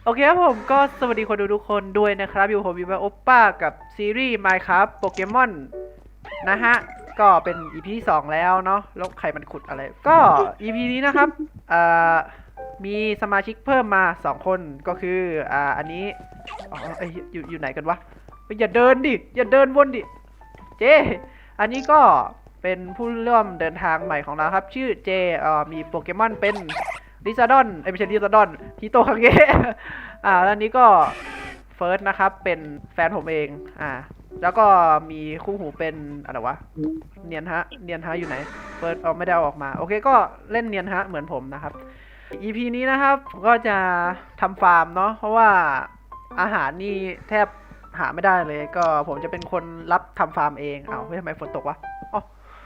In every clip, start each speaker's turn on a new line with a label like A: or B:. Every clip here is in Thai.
A: โอเคครับผมก็สวัสดีคนดูทุกคนด้วยนะครับอยู่ผมวิวาโอป้ากับซีรีส์ Minecraft โปเกมอนนะฮะก็เป็น EP ที่2แล้วเนาะแล้วใครมันขุดอะไรก็ EP นี้นะครับอ่ามีสมาชิกเพิ่มมา2คนก็คืออันนี้อ๋ออยู่ไหนกันวะอย่าเดินดิอย่าเดินวนดิเจอันนี้ก็เป็นผู้ร่วมเดินทางใหม่ของเราครับชื่อเจมีโปเกมอนเป็นลิซาดอนไม่ใช่ลิซาดอนฮิโตคังเงะแล้วอันนี้ก็เฟิร์สนะครับเป็นแฟนผมเองแล้วก็มีคู่หูเป็นอะไรวะเนียนฮะอยู่ไหนเฟิร์สไม่ได้เอาออกมาโอเคก็เล่นเนียนฮะเหมือนผมนะครับ EP นี้นะครับผมก็จะทำฟาร์มเนาะเพราะว่าอาหารนี่แทบหาไม่ได้เลยก็ผมจะเป็นคนรับทำฟาร์มเองเฮ้ยทำไมฝนตกวะอ๋อ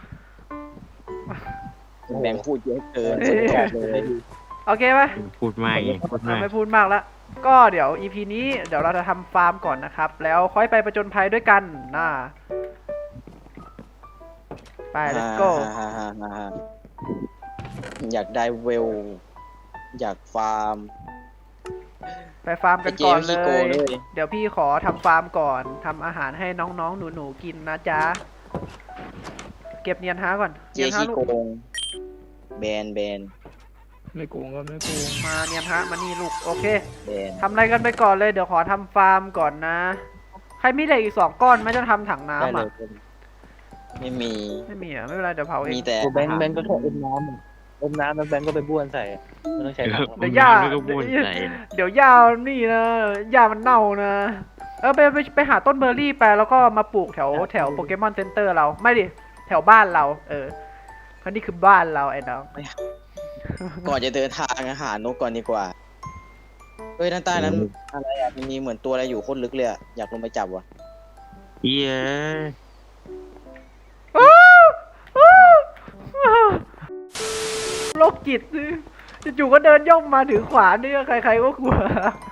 B: แบงค์พูดเยอะเกินสุดยอดเลย
A: โอเคไหม
C: พูดมากอีกพูดมาก
A: ไม่พูดมากแล้วก็เดี๋ยว EP นี้เดี๋ยวเราจะทำฟาร์มก่อนนะครับแล้วค่อยไปประจนภัยด้วยกันไป let's go
B: อยากได้เวล อยากฟาร์ม
A: ไปฟาร์มกันก่อนเล
B: ไอ้เจมส์ขี้โกง
A: ย
B: เลย
A: เดี๋ยวพี่ขอทำฟาร์มก่อนทำอาหารให้น้องๆหนูๆกินนะจ๊ะเก็บเนียนฮาก่อน
B: เจ
A: เนียนฮา
B: ขี้
A: ลูก
B: โกงแบน
C: ไม่โกงก็ไม่โกง
A: มาเนียนฮะมานี่ลูกโอเค
B: แบน
A: ทำอะไรกันไปก่อนเลยเดี๋ยวขอทำฟาร์มก่อนนะใครมีเหล็กอีก2 ก้อนไม่จะทำถัง
B: ได้
A: น้ำ
B: เล
A: อ่ะ
B: ยไม่มี
A: ไม่มีไม่เป็นไรเดี๋ยวเผาเอง
B: มีแต่
D: แบงค์ก็แค่อมน้ำแล้วแบงค์ก็ไปบ้วนใส่ไม่ต้องใช้ถัง
A: เดี๋ยวหญ้า
C: ก็บ้วนใจ
A: เดี๋ยวหญ้านี่นะหญ้ามันเน่านะไปหาต้นเบอร์รี่ไปแล้วก็มาปลูกแถวโปเกมอนเซ็นเตอร์เราไม่ดิแถวบ้านเราเพราะนี่คือบ้านเราไอ้น้อง
B: ก่อนจะเดินทางหานกก่อนดีกว่าเฮ้ยด้านใต้นั้นอะไรอ่ะมันมีเหมือนตัวอะไรอยู่โคตรลึกเลยอ่ะอยากลงไปจับว่ะ
C: เหี้ย
A: โรคจิตจู่ๆก็เดินย่องมาถือขวานนี่ใครๆก็กลัว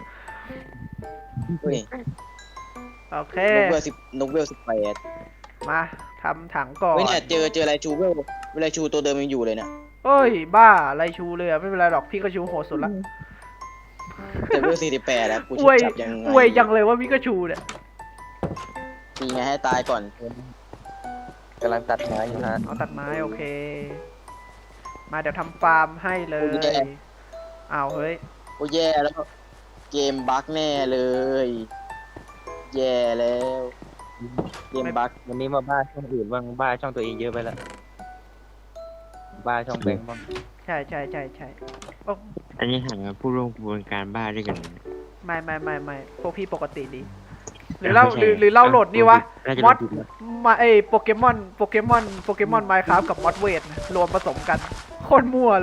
B: เฮ้ย
A: โอเค
B: นกเวล18
A: มาทำถังก่อน
B: เฮ้ยเนี่ยเจออะไรชูเวลชูตัวเดิมยังอยู่เลยเนี่ย
A: เอ้ยบ้าไรชูเลยไม่เป็นไรหรอกพี่ก็ชูโหดสุดละ
B: แต่เวล48แล้วกู
A: อ
B: จะ
A: วย
B: จับยังไง
A: อวยยังเลยว่าพี่ก็ชูเนี่ย
B: ตีไงให้ตายก่อน
D: กำลังตัดไม้อยู่ฮะ
A: เอาตัดไม้โอเค มาเดี๋ยวทำฟาร์มให้เลยเฮ้ย
B: โอ้แย่แล้วเกมบั๊กแน่เลย แย่แล้วเกมบั๊ก
D: วันนี้มาบ้าช่องอื่นบ้างบ้าช่องตัวเองเยอะไปแล้วบ้าช่องแบงค์บ้าง
A: ใช่โอ้
C: อันนี้หาผู้ร่วมกระบวนการบ้าด้วยกัน
A: ไม่พวกพี่ปกติดีหรือเราโหลดนี่วะมอดมาโปเกมอนไมค์ครับกับมอดเวทรวมผสมกันโคตรมั่วเลย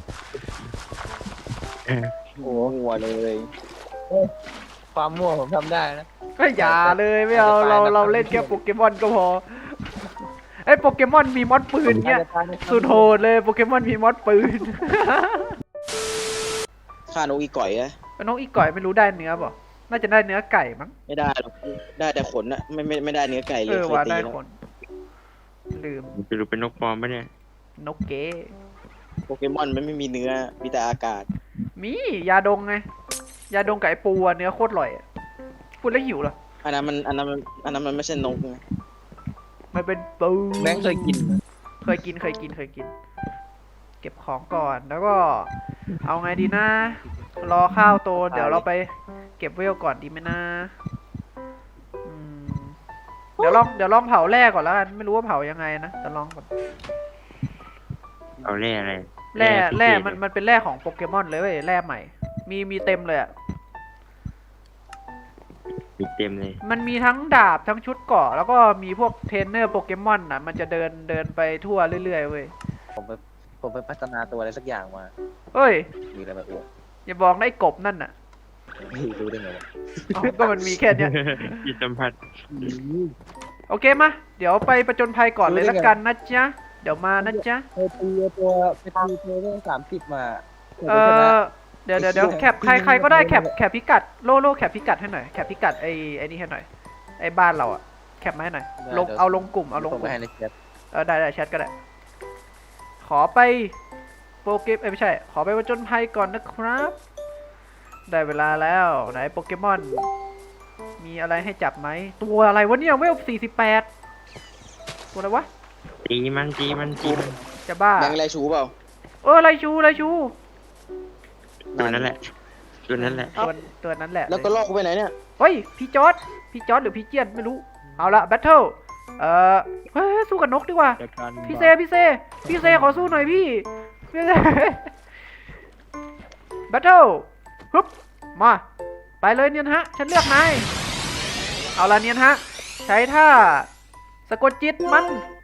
B: โอ้หัวเลย
D: ความมั่วผมทำได้นะ
A: ไม่อย่าเลยไม่เอาเราเล่นแค่โปเกมอนก็พอโปเกมอนมีมอดปืนเนี่ยสุดโหดเลยโปเกมอนมีมอดปืน
B: ฆ่านกอีก่อยอะ
A: น้องอีก่อยไม่รู้ได้เนื้อป่ะน่าจะได้เนื้อไก่มั้ง
B: ไม่ได้หรอกได้แต่ขนอะไม่ได้เนื้อไก่เลยเคย
A: ว่า
B: ตี
A: ได้
B: แล้ว
A: คนลืม
C: จะรู้เป็นนกปลอมปะเนี่ย
A: นกเก๋
B: โปเกมอนมันไม่มีเนื้อมีแต่อากาศ
A: มียาดงไงยาดงกับไอปูเนื้อโคตรอร่อยพูดแล้วหิวเหรอ
B: อันนั้นมันไม่ใช่นกไง
A: มันเป็นปู
D: แบงค์เคยกิน
A: เคยกิน เก็บของก่อนแล้วก็ เอาไงดีนะ รอข้าวโตเดี๋ยวเราไปเก็บเวลก่อนดีไหมนะเดี๋ยวลองเผาแร่ก่อนแล้วกันไม่รู้ว่าเผายังไงนะแต่ลองก่อน
C: เอาแร่อะไร
A: แร่มันเป็นแร่ของโปเกมอนเลยเว้ยแร่ใหม่มีเต็มเลยอ่ะ
C: ปิดเต็มเลย
A: มันมีทั้งดาบทั้งชุดเกราะแล้วก็มีพวกเทรนเนอร์โปเกมอนมันจะเดินไปทั่วเรื่อยๆเว้ย
D: ผมไปพัฒนาตัวอะไรสักอย่างมา
A: เฮ้ย
D: มีอะไรมาอวด
A: อย่าบอกนะไอ้กบนั่นน่ะ
D: รู้ได้ไงวะ
A: ก็มันมีแค่เนี้ย
C: จิตสัมผัส
A: โอเคมาเดี๋ยวไปประจนภัยก่อนเลยละกันนะจ๊ะเดี๋ยวมานะจ๊ะ
D: ไปตีตัวเรื่อง30มา
A: เดี๋ยวแคปใครก็ได้แคปพิกัดโลแคปพิกัดให้หน่อยแคปพิกัดไอ้นี่ให้หน่อยไอ้บ้านเราอะแคปมาให้หน่อยเอาลงกลุ่ม
D: ส่งไปให้ในแชท
A: ได้แชทก็ได้ขอไปโปรเกมไม่ใช่ขอไปประจนภัยก่อนนะครับได้เวลาแล้วไหนโปเกมอน มีอะไรให้จับไหม ตัวอะไรวะเนี่ยเวล48 ตัวอะไรวะ
C: ตีมันตีมันตีมัน
A: จะบ้า
B: แบงค์อะไรชูเปล่า
A: ไรชู
C: ตัวนั้นแหละตัวนั้นแหละ
A: ตัวนั้นแหละ
B: แล้วก็ลอกกูไปไหนเนี่ย
A: เฮ้ย พี่จอร์ดหรือพี่เจียนไม่รู้ เอาละแบทเทิลเฮ้ย สู้กับนกดีกว่า
D: จากการ
A: พี่เซขอสู้หน่อยพี่เซ แบทเทิลฮึบมา ไปเลยเนียนฮะ ฉันเลือกนาย เอาละเนียนฮะ ใช้ท่าสะกดจิตมัน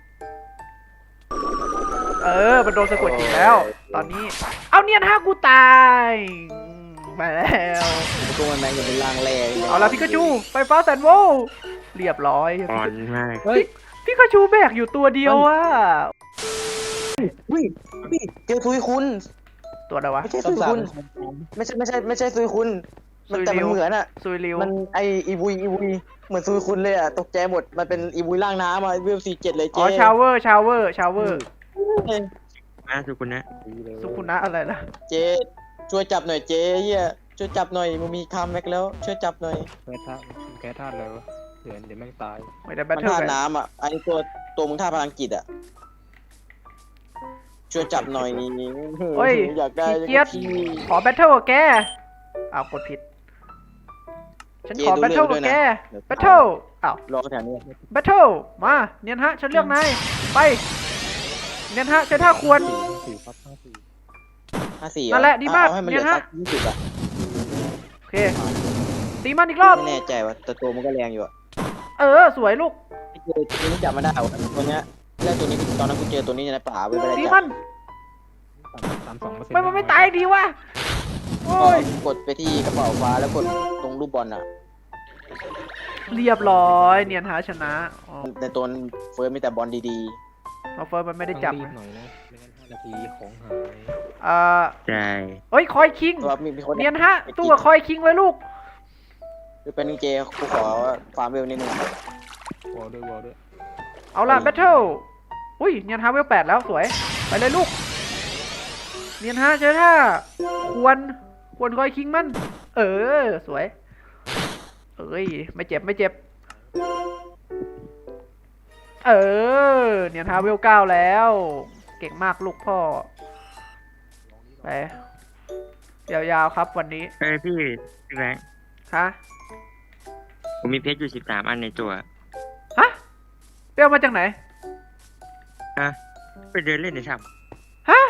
A: มันโดนสะกดจิตแล้ว ตอนนี้ เอาเนียนฮะกูตายไปแล้ว
B: ตัวมันแบงค์จะเป็นล่างแร่
A: เอาละพิกาจูไฟฟ้าแสนโวลต์เรียบร้อย
C: อ่อนมาก
D: เฮ้ย
A: พิกาจูแบกอยู่ตัวเดียวอะ
B: วิ่งเจอซุยคุณ
A: ตัวอะไรวะ
B: ไม่ใช่ซุยคุณไม่ใช่ซุยคุณมันแต่มันเหมือนอะ
A: ซุยริว
B: มันไออีวุยเหมือนซุยคุณเลยอะตกใจหมดมันเป็นอีวุยล่างน้ำอะเวล47เลย
A: อ๋
B: เจ๊
A: อชาวเวอร์
C: มาสุกุณนะ
A: สุขุนะอะไรนะ
B: เจ๊ช่วยจับหน่อยเจ๊เฮียช่วยจับหน่อยมึงมีคัมแบ็กแล้วช่วยจับหน่อย
D: แพ้ธาตุแพ้ธาตุเลยวะเดี๋ยวแม่งตาย
A: ไม่ได้แบ
B: มั
A: ท
B: น
A: เทิล
B: ท่า
A: กัน
B: น้ำอะอันนี้ตัวมึงท่าพลังจิตอะช่วยจับหน่อยอยากได้
A: พี่เจี๊ยบขอแบทเทิลกับแกอ้าวกดผิด ฉันขอแบทเทิลกับแกแบทเทิลอ้าว
B: รอแถวนี้
A: แบทเทิลมาเนียนฮะ ฉันเลือกนายไปเนียนฮะใช้ท่าควร
D: สี่ครับ54
B: 54
A: นั่นแหละดีมาก
B: เอาให้มันเหลือ
A: เนี่ยฮะ
B: สัก20อะ
A: โอเคตีมันอีกรอบ
B: ไม่แน่ใจว่าแต่ตัวมันก็แรงอยู่อะ
A: สวยลูก
B: ไอ้เจอตัวนี้จับมาได้เหรอตัวเนี้ยแล้วตัวนี้ตอนนั้นกูเจอตัวนี้ในป่าไปไม่ได้
A: ตี
B: จั
A: มั
B: บ
A: น
D: 32%
A: มันไม่ตายดีวะโอ้ย
B: กดไปที่กระเป๋าฟ้าแล้วกดตรงรูปบอลอะ
A: เรียบร้อยเนียนฮะชนะอ๋อ
B: ในตัวเฟิร์สมีแต่บอลดี
A: เอาเฟิร์สมันไม่ได้จับ
D: ต้องรี
A: นะ
D: หน่อยนะไม่งั้น5 นาทีของหาย
C: ใช่
A: เฮ้ยคอยคิง
B: ๆตัวมีคน
A: เนียนฮะตู้กับคอยคิงเลยลูก
B: คือเป็นเจกูขอฟาร์มเวลนิดนึง
D: วอลด้วย
A: เอาล่ะแบทเทิลอุ้ยเนียนฮะเวล8แล้วสวย ไปเลยลูก เนียนฮะเจอท่าควรคอยคิงมัน สวย ไม่เจ็บ เนียนฮะเวล9แล้ว เก่งมากลูกพ่อ ไป ยาวๆครับวันนี้
C: พี่แบงค์
A: ฮะ
C: ผมมีเพชรอยู่13 อันในตัว
A: ฮะเปรี้ยวมาจากไหน
C: ไปเดินเล่นในถ้
A: ฮะ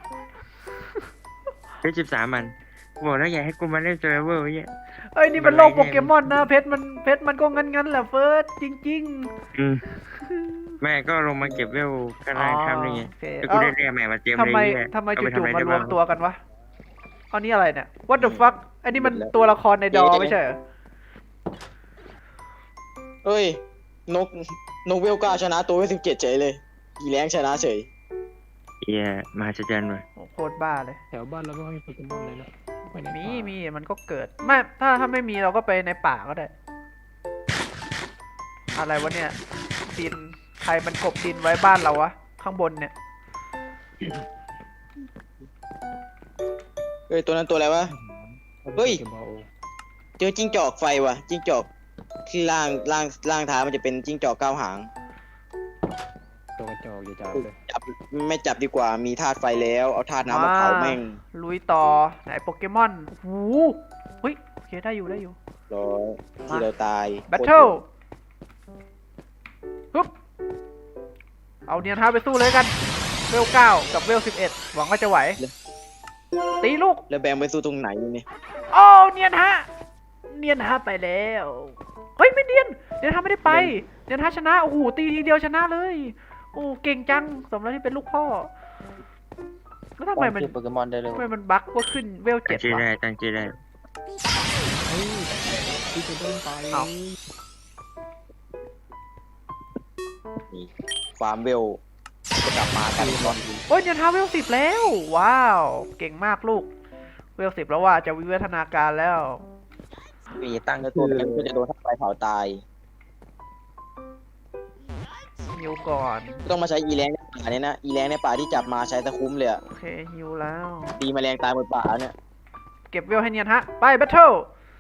C: ำเพชร13 อันบอกแล้วอย่าให้กูมาเล่นเซอร์เวอร์ไว้เนี่ย
A: เอ้ยนี่มันโลกโปเกมอนนะเพชรมันก็งั้นแหละเฟิร์สจริง
C: อืมแม่ก็ลงมาเก็บเวลข้างล่างทำนี่ไง
A: โอเค
C: แล้วกูได้เรียกใหม่มาเตรียม
A: ทำไม
C: เลยเนี่ย
A: ทำไม
C: เอาไป
A: จู่ๆ
C: ทำอะไร
A: มาร
C: ได้
A: ว
C: บ้าม ง
A: ตัวกันวะอันนี้อะไรเนี่ย What the fuck อันนี้มันตัวละครในดอไม่ใช่เหรอ
B: เฮ้ยนกเวลก้าชนะตัวเวล17เฉยเลยอีแรงชนะเฉย
C: เฮียมหัศจรรย์ว่ะ
A: โอ้โคตรบ้าเลย
D: แถวบ้านเราไม่มีโปเกมอนเลยนะไปไหน
A: มีมันก็เกิดไม่ถ้าไม่มีเราก็ไปในป่าก็ได้ อะไรวะเนี่ยดินใครมันกบดินไว้บ้านเราวะข้างบนเนี่ย
B: เฮ้ยตัวนั้นตัวอะไรวะ เฮ้ย
D: โปกมอน
B: เจอจิ้งจอกไฟว่ะจิ้งจอกที่ล่างเท้ามันจะเป็นจิ้งจอกเก้าหาง
D: ตัวกระจอกอย่าจับเลย
B: จับไม่จับดีกว่ามีธาตุไฟแล้วเอาธาตุน้ำมาเผาแม่ง
A: ลุยต่อไหนโปเกมอนหูเฮ้ยโอเคได้อยู่
B: ร้อยที่เราตาย
A: แบทเทิลฮึบเอาเนียนท้าไปสู้เลยกัน เวล9กับเวล11หวังว่าจะไหว ตีลูก
B: แล้วแบงไปสู้ตรงไหนนี่
A: โอ้เนียนฮะไปแล้ว เฮ้ยไม่เนียนฮะไม่ได้ไป เนียนฮะชนะ โอ้โหตีทีเดียวชนะเลย โอ้เก่งจัง สมแล้วที่เป็นลูกพ่อ แล้วทำไมมัน
B: โปเกมอนได้เลย
A: บั๊กว่าขึ้นเวล
C: ตั้ง
A: 7
C: ชื่อ
A: วะ
C: ได้ตั้งชื่อได้
D: เฮ้ยที่จะโดนไป
A: เอ้า
B: ฟาร์มเวลจะกลับมากันก่อน
A: โอ้ยเนียนฮะเวล10แล้ว ว้าว เก่งมากลูก เวล10แล้วว่าจะวิวัฒนาการแล้ว
B: มีตั้งตัวเป็นก็จะโดนธาตุไฟเผาตาย
A: ฮิวก่อน
B: ต้องมาใช้อีแรงในป่าเนี่ยนะอีแรงในป่าที่จับมาใช้ตะคุ้มเลยอะ
A: โอเคฮิวแล้ว
B: ตีแมลงตายหมดป่าเนี่ย
A: เก็บเวลให้เนียนฮะ ไปแบทเทิล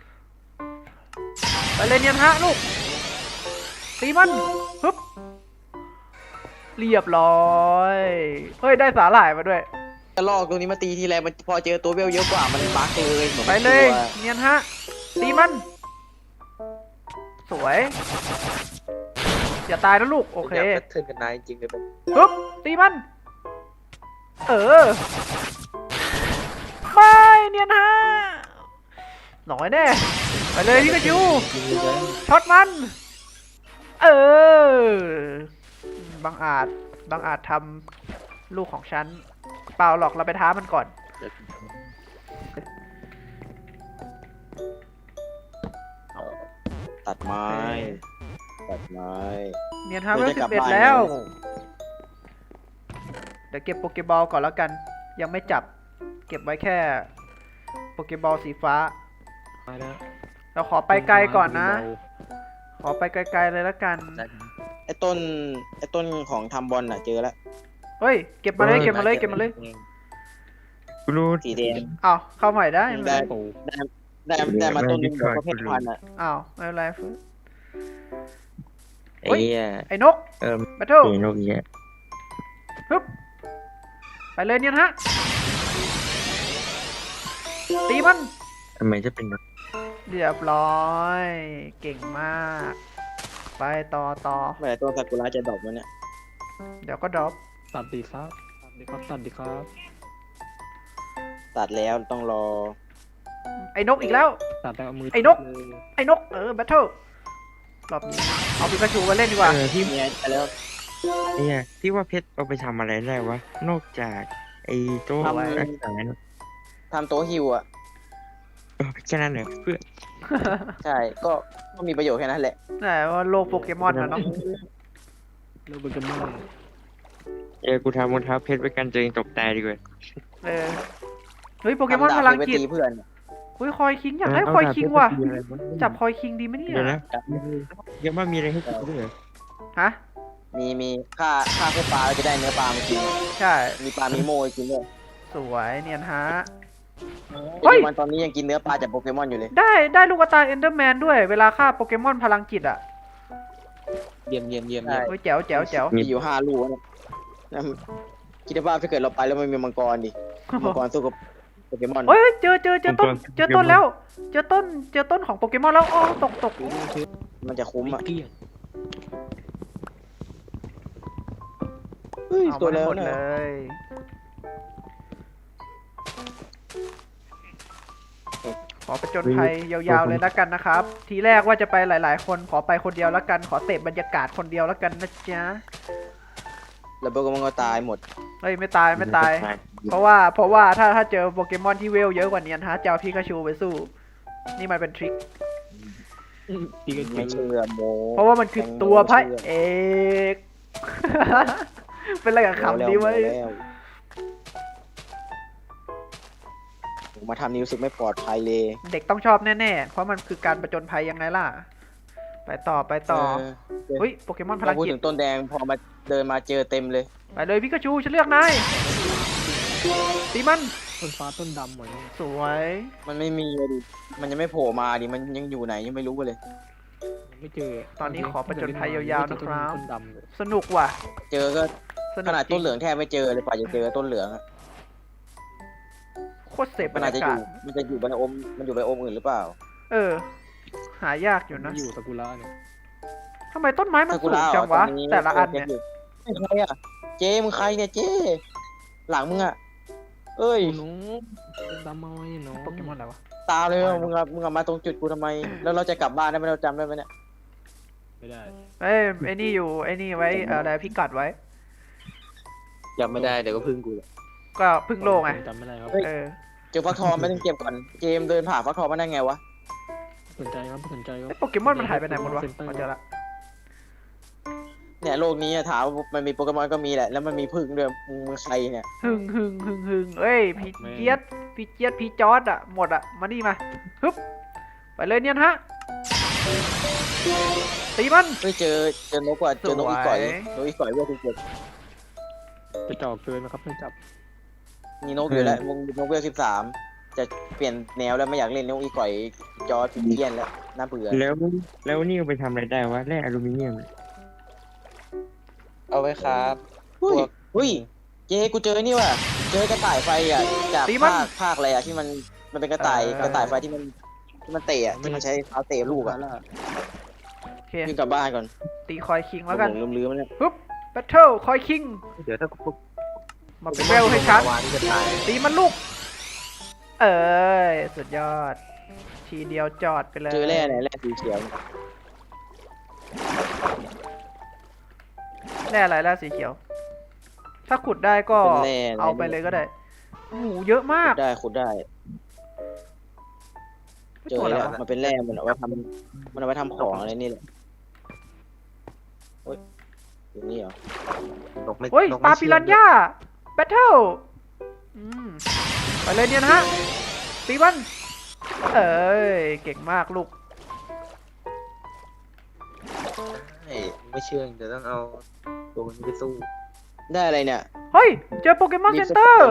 A: ไปเลยเนียนฮะลูก ตีมันฮึบเรียบร้อย เฮ้ย ได้สาหร่ายมาด้วย
B: กระลอกตัวนี้มาตีทีไรมันพอเจอตัวเวลเยอะกว่ามันบั๊กเลยเหมือน
A: ไป
B: มัน
A: เล
B: ก
A: ย
B: ลัว
A: เนียนฮะ ตีมัน สวย อย่าตายนะลูก โอเค
D: อยากแพทเทิร์นกันนายจริงๆเลยแบบ
A: ฮึบตีมัน เออ ไม่เนียนฮะหน่อยแน่ ไปเลยพี่กระจู
D: จริงๆเลย
A: ช็อตมัน เออ บางอาจทำลูกของฉัน เปล่าหรอกเราไปท้ามันก่อน
B: ตัดไม้ตัดไม้
A: เนียนฮาร์
B: เดี๋
A: เว
B: ยว
A: สิ
B: จะกลั
A: บบ เอ็ด
B: บ้าน
A: แล้ว
B: แล้ว
A: เดี๋ยวเก็บโปเกบอลก่อนแล้วกัน ยังไม่จับ เก็บไว้แค่โปเกบอลสีฟ้า
D: มาแล้ว
A: เราขอไปไกลก่อนนะ ขอไปไกลๆเลยแล้วกัน
B: ไอ้ต้นของทำบอลน่ะเจอแล้ว
A: เฮ้ย เก็บมาเลย เก็บมาเลย เก็บมาเลย
C: กูรู้
B: สีแดง
A: อ้าว เข้าใหม่ได้ไหม
B: ได้
D: โอ้
B: ได้มาต้นหนึงประเภทพันธุ์อ่ะ
A: อ้าว ไม่เป็นไรฟื้น
C: ไอ้เหี้ย
A: ไอ้นก
C: เออ
A: แบทเทิล
C: เห็นนกเหี้ย
A: ฮึบไปเลยเนี่ยนะฮะ ตีมัน
C: ทำไมจะเป็นนก
A: เรียบร้อย เก่งมาก ไปต่อ
B: เมื่อไหร่ต้นซากุระจะดอกมันเนี่ย
A: เดี๋ยวก็ดรอป
E: ตัดดีครับตัดดีครับตัดดีครับ
B: ตัดแล้วต้องรอ
A: ไอ้นกอีกแล้ว
E: ตัดแล้วเอามือ
A: ไอ้นก
E: เลย
A: ไอ้นก แบทเทิลรอบนี้เอาปิกาชูมาเล่นดีกว่า
C: ที่
B: เนี่ยไปแล้ว
C: เนี่ยที่ว่าเพชรเอาไปทำอะไรได้วะ นอกจากไอ้โต๊ะ
B: ทำ
C: รักษาเนี่ย
B: ทำโต๊ะฮิวอ่ะ
C: แค่นั้นเหรอเพื่อน
B: ใช่ก็มีประโยชน์แค่นั้นแหละ
A: แต่ว่าโลกโปเกมอนนะเนาะ
E: เลิกเป็นกันมาก
C: กูทำรองเท้าเพชรไว้กันตัวเองตกตายดีกว่า
A: เออ เฮ้ยโปเกมอนพลัง
B: ไป
A: จิต
B: ตีเพื่อน
A: เฮ้ยคอยคิงอยากได้คอยคิงว่ะ จับคอยคิงดีไหมเนี่ย
C: เดี๋ยวนะยังว่ามีอะไรให้กินด้วยเหรอ
A: ฮะ
B: มีค่าพวกปลาเราจะได้เนื้อปลามากิน
A: ใช่
B: มีปลามีโมให้กินด้วย
A: สวยเนียนฮะ เฮ้
B: เฮ้
A: ย
B: ยวันตอนนี้ยังกินเนื้อปลาจากโปเกมอนอยู่เลย
A: ได้ลูกตาเอนเดอร์แมนด้วย เวลาฆ่าโปเกมอนพลังจิตอ่ะ
D: เยี่ยมเยี่ยมเยี่ยม
B: ใช่
A: เฮ้ยแจ๋วแจ๋วแจ๋ว
B: มีอยู่5 ลูกเนี่ยนั่นคิดว่าถ้าเกิดเราไปแล้วมันมีมังกรดิ มังกรสู้กับโปเกมอน
A: เฮ้ยเจอต้นแล้ว เจอต้นของโปเกมอนแล้วอ๋อตก
B: มันจะคุ้ม
E: ไม่
B: อ่ะ
E: เกลี้ยง
B: เฮ้ย
A: เอา
B: ตัว
A: มาให้
B: แล้ว
A: หมด
B: นะ
A: เลย ขอประจนภัยยาวๆเลยแล้วกันนะครับ ทีแรกว่าจะไปหลายๆ คนขอไปคนเดียวแล้วกัน ขอเสพบรรยากาศคนเดียวแล้วกันนะจ๊ะ
B: แล้วโปเกมอนก็ตายหมด
A: เฮ้ยไม่ตายไม่ตาย เพราะว่าถ้าเจอโปเกมอนที่เวลเยอะกว่านี้นะฮะจะเอาพิกาชูไปสู้ นี่มันเป็นทริค
E: พี่ก็เจ
B: ไม่
E: อ
B: เชื่อโม
A: เพราะว่ามันคือตัวพระเอก เป็นอะไรกับคำนี้ไว้
B: แล้วผมมาทำนี้รู้สึกไม่ปลอดภัยเลย
A: เด็กต้องชอบแน่ๆ เพราะมันคือการประจนภัยยังไงล่ะ ไปต่อ เฮ้ยโปเกมอนพ
B: พ
A: ลั
B: อง พูด
A: จิต
B: ถึงต้นแดงพอมาเดินมาเจอเต็มเลย
A: ไปเลยพิกาชูฉันเลือกนายตีมัน
E: ต้นฟ้าต้นดำเหมือน
A: สวย
B: มันไม่มีเลยดิ มันยังไม่โผล่มาดิ มันยังอยู่ไหนยังไม่รู้เลย
E: ยังไม่เจอ
A: ตอนนี้ขอประจนภัยยาวๆนะครับ
E: ต้นดำเลย
A: สนุกว่ะ
B: เจอก็
A: ส
B: ข
A: นุก
B: นาด
A: จริ
B: ต้
A: ง
B: นเหลืองแทบไม่เจอเลยกว่าจะเจอต้นเหลืองอะ
A: โคตรเสพบ
B: มั
A: ร
B: น
A: ร
B: อาจจะ
A: ยา
B: อก
A: าศ
B: ยู่มันจะอยู่ในอมมันอยู่ในอมอื่นหรือเปล่า
A: เออ หายากอยู่นะ
E: อยู่ซากุระเนี่ย
A: ทำไมต้นไม้มัน
B: ซากุ
A: สูง
B: ระ
A: จังวะ
B: ตรงนี้
A: แต่ละอันเนี่ย
B: ไม่ใครอ่ะ เจ๊มึงใครเนี่ยเจ๊หลังมึงอ่ะ เอ้ย
E: โอ้หนูต้นดำเอาไว้หนู
A: โปเกมอนอะไรวะ
B: ตามเลยมึงอะมาตรงจุดกูทำไม แล้วเราจะกลับบ้านได้ไหมเราจำได้ไหมเนี่ย
E: ไม่ได้
A: เอ้ยไอ้นี่อยู่ไอ้นี่ไว้อะไรพิกัดไว้
D: จำไม่ได้เดี๋ยวก็พึ่งกูแหละ
A: ก็พึ่งโลกไง
E: จำไม่ได้ครับ
A: เออ
B: เจอฟักทองไม่ต้องเก็บก่อน เจมส์เดินผ่านฟักทองมาได้ไงวะ
E: สนใจครับสนใจครับ
A: ไอ้โปเกมอนมันหายไปไหนหมดวะมาเจอละ
B: เนี่ยโลกนี้อะถามว่ามันมีโปเกมอนก็มีแหละ แล้วมันมีพึ่งด้วยมึงใครเนี่ย
A: หึงเอ้ยพี่เจี๊ยดพี่จอร์ดอะหมดอะมานี่มาฮึบไปเลยเนี่ยนะฮะตีมัน
B: เฮ้ยเจอนกว่ะเจอนกอีก่อย
A: สวย
B: นกอีก่อยเว่าที่เจ็ด
E: จะจ่อเกินนะครับไม่จับ
B: มีนกอยู่แล้วนกเวล13 จะเปลี่ยนแนวแล้วไม่อยากเล่นนกอีก่อยจอร์จเพี้ยนแล้วน่าเบื่อ
C: แล้วนี่เอาไปทำอะไรได้วะแร่อลูมิเนียม
D: เอาไว้ครับ
B: เฮ้ยเฮ้ยเจ๊กูเจอนี่ว่ะเจอกระต่ายไฟอ่ะจาก
A: ตีมัน
B: ภาคอะไรอ่ะที่มันเป็นกระต่ายไฟที่มันเตะอ่ะที่มันใช้เท้าเตะลูกอ่ะ
A: โอเค
B: วิ่งกลับบ้านก่อน
A: ตีคอยคิงแล้วกัน
B: ผมลืมๆมันเนี่ย
A: ปุ๊บแบทเทิลคอยคิง
D: เดี๋ยวถ้ากู
A: มาเป็นเร็วให้ชัด
D: วานนี่จะตาย
A: ตีมันลูก เอ้ยสุดยอด ทีเดียวจอดไปเลย
B: เจอแร่ไหนแร่สีเขียว
A: แร่อะไรแร่สีเขียว ถ้าขุดได้ก็
B: เป็นแร่
A: เอาไปเลยก็ได้หมูเยอะมาก
B: ขุดได้เจอ
A: ตัวอะไร
B: แล้ว
A: วะ
B: มันเป็นแร่มันเอาไว้ทำของอะไรนี่แหละโอ้ยอยู่นี่เหรอ
D: นกไม่
A: เฮ้ย
D: นก
A: ป
D: ไม่
A: ลาปิรันย่าแบทเทิลไปเลยเนี่ยนะฮะ ตีมัน เอ้ย เก่งมากลูก
D: ไม่เชื่อเดี๋ยวต้องเอาตัวนี้ไปสู้
B: ได้อะไรเนี่ย
A: เฮ้ย เจอโปเกมอนเซ็นเตอร์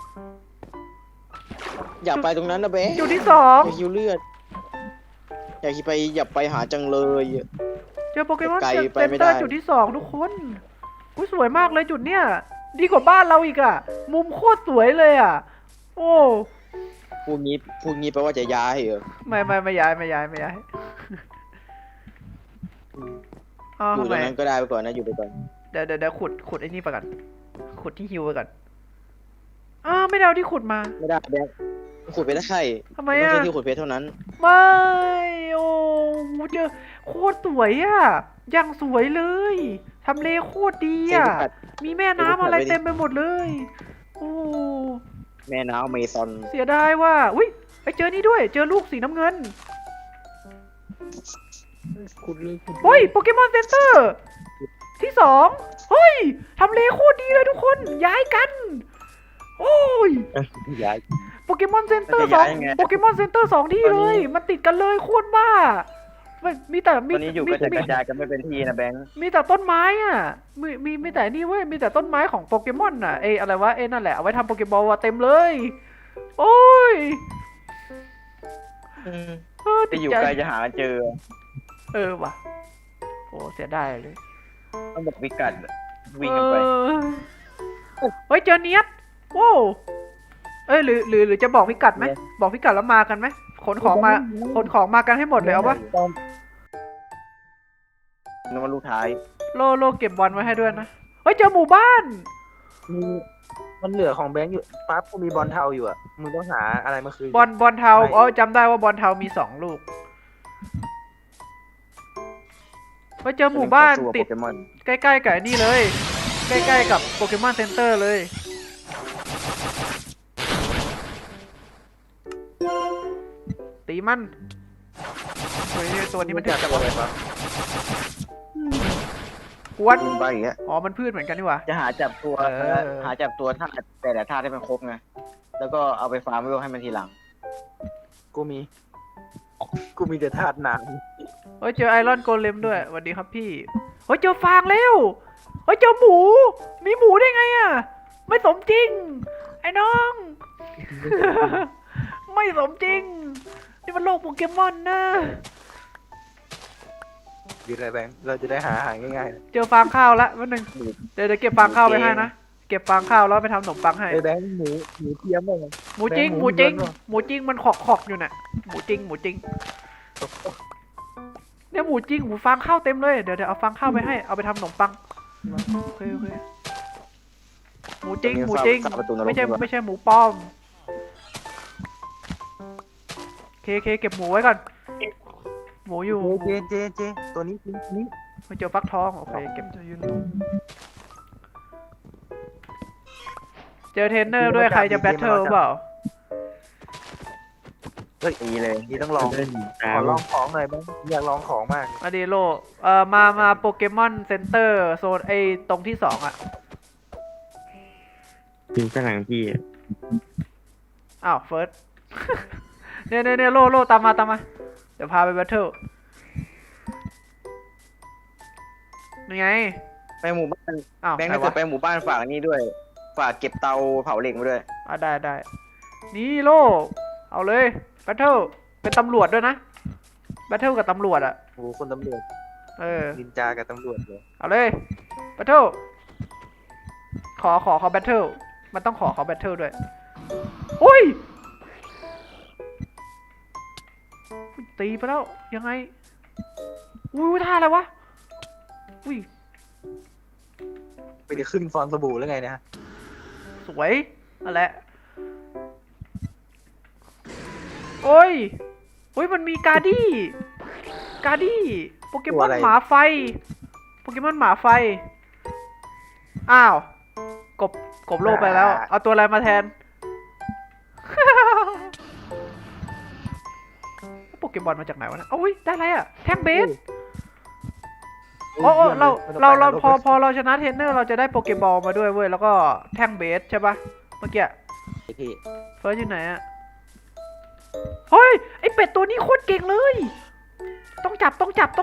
B: อยากไปตรงนั้นนะเบ๊
A: จุดที่สอง
B: อยากหิวเลือดอยากไปหาจังเลย
A: เจอโปเกมอน
B: ไกล
A: เซ็น
B: ไปไม่
A: เตอ
B: ได้
A: ร์จุดที่สองทุกคนอุ้ยสวยมากเลยจุดเนี้ย ดีกว่าบ้านเราอีกอะมุมโคตรสวยเลยอะโอ้
B: พูดงี้แปลว่าจะย้ายเหรอ
A: ไม่ย้ายอ้าว
B: อยู่
A: ทำ
B: ตร
A: ไม
B: งนั้นก็ได้ไปก่อนนะอยู่ไปก่อน
A: เดี๋ยวขุดไอ้นี่ไปก่อนขุดที่ฮิวไปก่อนอ้าวไม่ได้เอาที่ขุดมา
B: ไม่ได้แบ๊ขุดไปได้
A: ทำไม
B: ไม่
A: อะ
B: ใช่ที่ขุดเพชรเท่านั้น
A: ไม่โอ้โหเจอโคตรสวยอะอย่างสวยเลยทำเลโคตรดีอะมีแม่น้ำอะไรเต็มไปหมดเลยโอ้
B: แม่น้ำเมซอน
A: เสียดายว่าอุ้ยไปเจอนี่ด้วย เจอลูกสีน้ำเงิน
E: ขุดเลยขุด
A: เฮ้ยโปเกมอนเซ็นเตอร์ที่สองเฮ้ยทำเลโคตรดีเลยทุกคนย้ายกัน โอ้ย
D: ย้าย
A: โปเกมอนเซ็นเตอร์สองโปเกมอนเซ็นเตอร์สองที่เลย มันติดกันเลยโคตรบ้าไม่มีแต่
D: ตอนนี้อยู่กระจายกระจายกันไม่เป็นที่นะแบงค์
A: มีแต่ต้นไม้อ่ะมีแต่นี่เว้ยมีแต่ต้นไม้ของโปเกมอนอ่ะอะไรวะนั่นแหละเอาไว้ทำโปเกมอลอะเต็มเลย โอ้ย
D: จะอยู่
A: ติดใจ
D: ไกลจะหาเจอ
A: ว่ะโอ้เสียดายเลย
D: ต้องบอกพิกัดวิ่งกันไป
A: เฮ้ยเจอเนียดโว้หรือจะบอกพิกัดไหมบอกพิกัดแล้วมากันไหมขนของมากันให้หมดเลยเอาปะ
D: นึกว่าลูกท้าย
A: โลเก็บบอลไว้ให้ด้วยนะเฮ้ยเจอหมู่บ้าน
E: มันเหลือของแบงค์อยู่ปั๊บกูมีบอลเทาอยู่อ่ะมึงต้องหาอะไรมาคืน
A: บอลเทาจำได้ว่าบอลเทามี2 ลูกเฮ้ยเจอหมู่บ้านติด
D: โปเกมอน
A: ใกล้ๆกับนี่เลย ใกล้ๆกับโปเกมอนเซ็นเตอร์เลย ตีมันเฮ้ยตัวนี้มันถึงจังวะกวน
B: วิ่งไปอย่างเงี้ย
A: อ๋อมันพืชเหมือนกันนี่หว่า
B: จะหาจับตัว
A: หา
B: ธาตุแต่ละธาตุให้มันครบไงแล้วก็เอาไปฟาร์มไว้ให้มันทีหลัง
E: กูมีแต่ธาตุน้
A: เฮ้ยเจอไอรอนโกเลมด้วยสวัสดีครับพี่เฮ้ยเจอฟางแล้วเฮ้ยเจอหมูมีหมูได้ไงอ่ะไม่สมจริงไอ้น้อง ไม่สมจริงนี่มันโลกโปเกมอนนะ
E: ำดีเลยแบงค์เราจะได้หาง่ายๆ
A: เจอฟางข้าวละวันหนึ่งเดี๋ยวเก็บฟางข้าวไปให้นะเก็บฟางข้าวแล้วไปทำขนมปังให้
E: ไอ้แบงค์หมูเทียมบ้าง
A: หมูจริง
E: แบงค์
A: หมูจริง
E: หมูเยอะ
A: หมูจริงมันขอกอยู่น่ะหมูจริงเนี่ยหมูจริงหมูฟางข้าวเต็มเลยเดี๋ยวเอาฟางข้าวไปให้เอาไปทำขนมปังโอเคหมูจริงไม่ใช่หมูป้อมเคเก็บหมูไว้ก่อนหมูอยู่
E: เจตัวนี้นี่
A: ไม่เจอฟักทองโอเคเก็บเจอเทรนเนอร์ด้วยใครจะแบทเทิลเปล่า
E: เฮ้ย
D: ตีเลย
E: นี่ต้องลองขอลองของหน่อยบ้างอยากลองของมาก
A: มาดีโลมาโปเกมอนเซ็นเตอร์โซนตรงที่2อ่ะ
C: ถึงข้างหลังพี่อะ
A: อ้าวเฟิร์ส เนี่ยโลตามมาเดี๋ยวพาไปแบทเทิลนี่ไง
B: ไปหมู่บ้าน
A: อ้าว
B: แบงค์
A: ไหน
B: ถ้าเกิ
A: วะ
B: ดไปหมู่บ้านฝากนี่ด้วย ฝากเก็บเตาเผาเหล็กมาด้วย
A: ได้นี่โลเอาเลยแบทเทิลเป็นตำรวจด้วยนะแบทเทิลกับตำรวจอะ
E: โอ้โหคนตำรวจ
A: เออ
E: นินจากับตำรวจเลย
A: เอาเลยแบทเทิลขอแบทเทิลมันต้องขอแบทเทิลด้วยอุ้ยตีไปแล้วยังไงอุ้ยท่าอะไรวะอุ้ย
E: ไปจะขึ้นฟองสบู่แล้วไงเนะ
A: สวยนั่นแหละโอ้ยโอ้ยมันมีการ์ดี้โปเกมอนหมาไฟโปเกมอนหมาไฟอ้าวกบโลกไปแล้วเอาตัวอะไรมาแทน โปเกมอนมาจากไหนวะเนะโอ้ยได้อะไรอะแท่งเบสโอ้เราพอเราชนะเทรนเนอร์เราจะได้โปเกมอลมาด้วยเว้ยแล้วก็แท่งเบสใช่ปะเมื่อกี้
E: พี่
A: เฟิร์สอยู่ไหนอะเฮ้ยไอเป็ดตัวนี้โคตรเก่งเลย ต้องจับ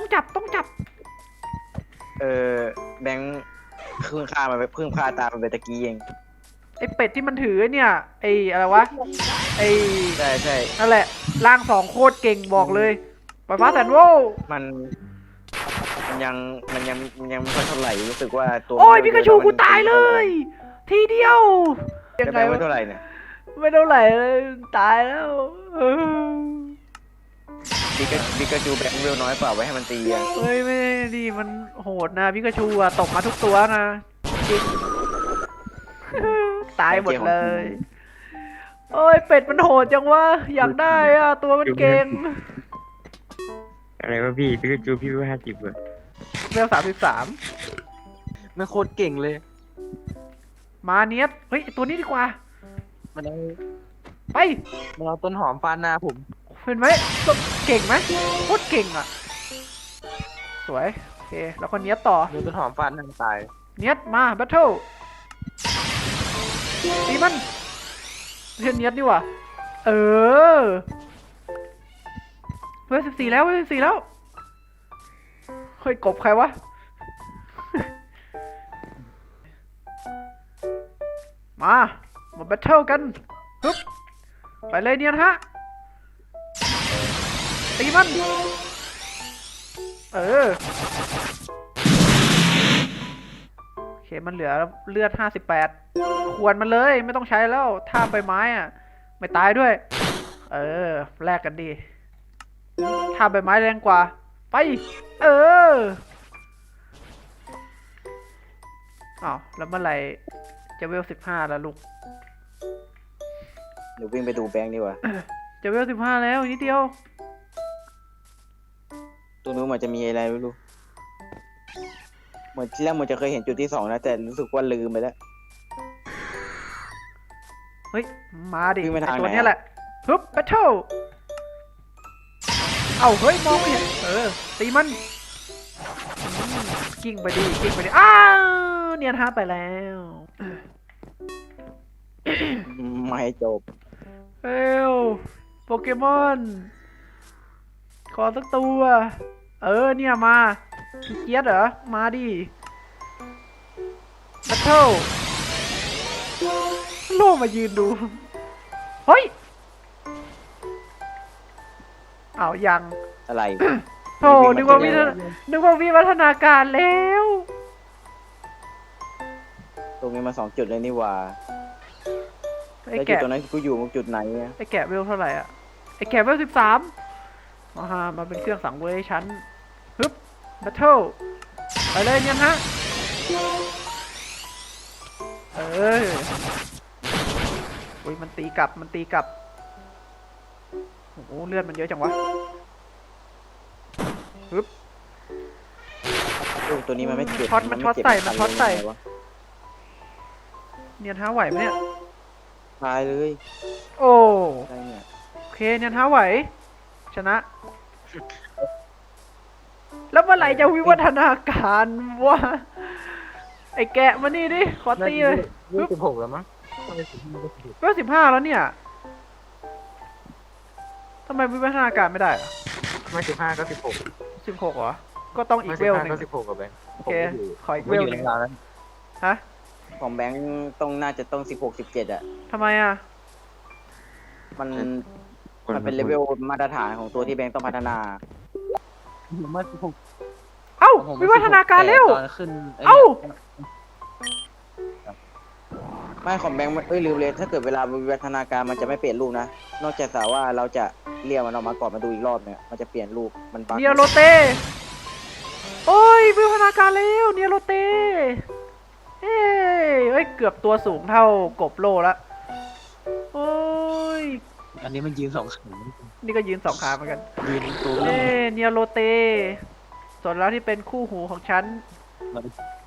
B: แบงค์เพิ่งฆ่ามันไปเพิ่งฆ่าตามมันไปตะกี้เอง
A: ไอเป็ดที่มันถือเนี่ยไออะไรวะไอ
B: ใช่ใช่
A: นั่นแหละร่างสองโคตรเก่งบอกเลยปล่อยฟ้าแสนโว
B: มันยังไม่ค่อยเท่าไหร่รู้สึกว่าตัว
A: โอ้ยพิกาชูกูตายเลย ทีเดียว
B: ยังไงไม่เท่าไหร่เนี่ย
A: ไม่เท่าไหร่เลยตายแล้วเออ
B: พิกาจูแบงค์เวลน้อยเปล่าไว้ให้มันตีอ่ะ
A: เฮ้ยไม่ดีมันโหดนะพิกาชูอะตกมาทุกตัวนะจริง ตายหมดเลย โอ้ยเป็ดมันโหดจังวะอยากได้อะตัวมันเก่ง
C: อะไรวะพี่พิกาจูพี่ว่า50อะ
A: เวล33
E: มันโคตรเก่งเลย
A: มาเนียสเฮ้ยตัวนี้ดีกว่า
E: มันเอา
A: ไป
E: มันเอาต้นหอมฟาดหน้าผม
A: เห็นไหมเก่งไหมโคตรเก่งอ่ะ สวย โอเค แล้วก็เนียสต่อ
E: โดนต้นหอมฟาดหน้าตาย
A: เนียสมาแบทเทิลตีมันเนียสดีกว่าเออเวล14แล้วเวล14แล้วเฮ้ยกบใครวะ มาแบทเทิลกันฮึบไปเลยเนียนฮะตีมันเออโอเคมันเหลือเลือด58ควรมันเลยไม่ต้องใช้แล้วท่าใบไม้อะไม่ตายด้วยเออแลกกันดีท่าใบไม้แรงกว่าไปเอออ้าวแล้วเมื่อไหร่จะเวล15แล้วลูก
B: เดี๋ยววิ่งไปดูแบงค์ดีกว่า
A: จะเวล15แล้วอีกนิดเดียว
B: ตัวนู้นมันจะมีอะไรไม่รู้เหมือนที่แรกมันจะเคยเห็นจุดที่2นะแต่รู้สึกว่าลืมไปแล้ว
A: เฮ้ยมาดิ
B: วิ่งไปทาง
A: ไอ้ตัว
B: ไหน
A: เนี้ยแหละฮึบแบทเทิลเอ้าเฮ้ยมองไม่เห็นตีมันกิ้งไปดิอ้าวเนียนฮาไปแล้ว
B: ไม่ให้จบ
A: เอ้วโปเกมอน ขอสักตัว เนี่ยมาขี้เกียจเหรอ มาดิแบทเทิลโล่มายืนดู เฮ้ยอ้าวยัง
B: อะไร
A: โธ่นึกว่าวิวัฒนาการแล้ว
B: ตรงนี้มา2 จุดเลยนี่หว่า
A: ไอ้
B: แล้วจุด
A: แกะ
B: ตรงนั้นกูอยู่จุดไหนอะ
A: ไอ้แกะเวลเท่าไหร่อ่ะ ไอ้แกะเวล13มาเป็นเครื่องสังเวยชั้นฮึบแบทเทิลไปเลยเนี่ยฮะ อุ้ยมันตีกลับโอ้โหเลือดมันเยอะจังวะฮึบ
B: ตัวนี้มันไม่เจ็บ
A: มันช็อตใส่
B: คั
A: เนียนท้าไหวไหมเนี่ย
B: ตายเลย
A: โอ้
B: อะไรเนี่ย
A: โอเคเนียนท้าไหว ชนะ แล้วเมื่อไหร่จะวิวัฒนาการวะไอ้แกะมานี่ดิ ขอตีเลย
E: 26แล้วมั้งไม่ถึง26
A: เวล15แล้วเนี่ยทำไมวิวัฒนาการไม่ได้อะ
E: ไม่15ก็16
A: 16เหรอ ก็ต้องอีกเวลหนึ่ง
E: ก็16กับแบงค์
A: โอเค ขออีก
E: ผม
A: เวล
E: อยู่
A: ห
E: ใน
A: นึ่ง
E: ร้านนั้น
A: ฮะ
B: ของแบงค์น่าจะต้อง16 17อ่ะ
A: ทำไมอ่ะ
B: มันมันเป็นเลเวลมาตรฐานของตัวที่แบงค์ต้องพัฒนา
E: ผมว่าผม
A: เอ้า
E: ผม
A: วิวัฒนาการเร็ว
E: ตอนขึ้นไ
A: เอ้า
B: ไม่ของแบงค์มันลืมเลย ถ้าเกิดเวลาวิวัฒนาการมันจะไม่เปลี่ยนรูปนะ นอกจากว่าเราจะเรียกมันออกมาก่อนมาดูอีกรอบเนี่ยมันจะเปลี่ยนรูปมันบั๊ก
A: เนียโรเตโอ้ยวิวัฒนาการเร็วเนียโรเตเอ้ยเกือบตัวสูงเท่ากบโลละโอ้ย
E: อันนี้มันยืนสองขา
A: นี่ก็ยืนสองขาเหมือนกัน
E: ยืนตัว
A: เนียโรเตส่วนแล้วที่เป็นคู่หูของฉัน